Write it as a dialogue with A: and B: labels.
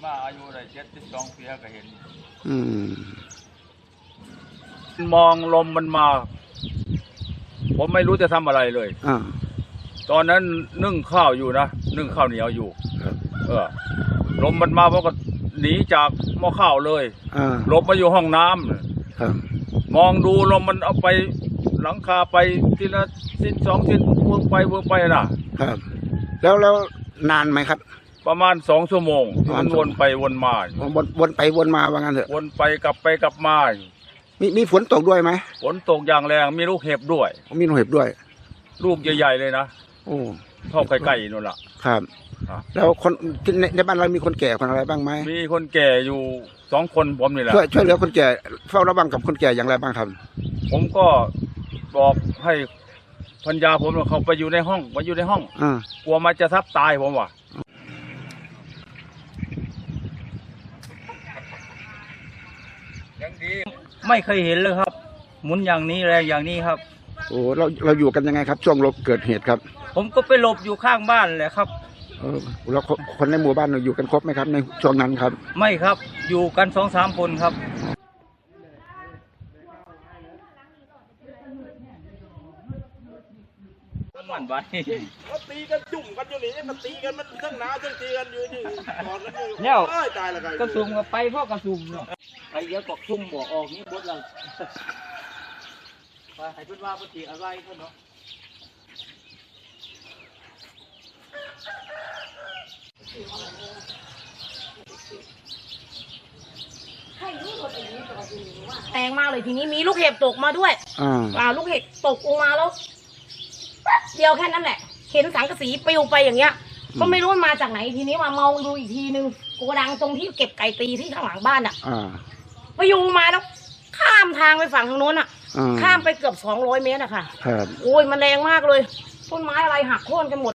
A: มาอายุได้72 ปีก็เห็น
B: มองลมมันมา ผมไม่รู้จะทำอะไรเลยตอนนั้นนึ่งข้าวอยู่นะนึ่งข้าวเหนียวอยู่ลมมันมาเพราะก็หนีจากหม้อข้าวเลยหลบมาอยู่ห้องน้ำมองดูลมมันเอาไปหลังคาไปทีละชิ้น2 ชิ้นเวิร์กไปนะครับ
C: แล้วนานไหมครับ
B: ประมาณ2 ชั่วโมงมันวนไปวนมา
C: วนไปวนมาว่างั้นเถอะ
B: วนไปกลับมา
C: มีฝนตกด้วยไหม
B: ฝนตกอย่างแรงมีลูกเห็บด้วย
C: มีลูกเห็บด้วย
B: ลูกใหญ่ๆเลยนะ
C: โอ้
B: เท่าไก่นู่นล่ะ
C: ครับแล้วคนในบ้านเรามีคนแก่คนอะไรบ้างไหม
B: มีคนแก่อยู่2 คนผมนี่แหละ
C: ช่วยเหลือคนแก่เฝ้าระวังกับคนแก่อย่างไรบ้างครับ
B: ผมก็บอกให้พัญญาผมเขาไปอยู่ในห้องกลัวมันจะทับตายผมว่ะยังดีไม่เคยเห็นเลยครับหมุนอย่างนี้แรงอย่างนี้ครับ
C: โอ้เราอยู่กันยังไงครับช่วงเกิดเหตุครับ
B: ผมก็ไปหลบอยู่ข้างบ้านแหละครับ
C: แล้วคนในหมู่บ้านเราอยู่กันครบไหมครับในช่วงนั้นครับ
B: ไม่ครับอยู่กัน2-3 คนครับมันไป
A: เขาตีกันจุ่มกันอยู่นี่มันตีกันมันทั้งหนาวทั้งตีกันอยู่ที่กอดกันอยู่
B: เนี่ย
A: ตายละกัน
B: กระซุ่มกับไปเพราะกระซุ่มเนาะไปเยอะกว่าซุ่มบอกออกนี่บดเราไปให้เพื่อนว่าปฏิอะไรเพื่อนเนาะ
D: แรงมากเลยทีนี้มีลูกเห็บตกมาด้วยลูกเห็บตกลงมาแล้วเดียวแค่นั้นแหละเห็นสังกะสีปลิวไปอย่างเงี้ยก็ไม่รู้มันมาจากไหนทีนี้มาเมาดูอีกทีนึงโกดังตรงที่เก็บไก่ตีที่ข้างหลังบ้านไปอยู่มาแล้วข้ามทางไปฝั่งทางโน้นข้ามไปเกือบ200 เมตรอะค่ะโอ้ยมันแรงมากเลยต้นไม้อะไรหักโค่นกันหมด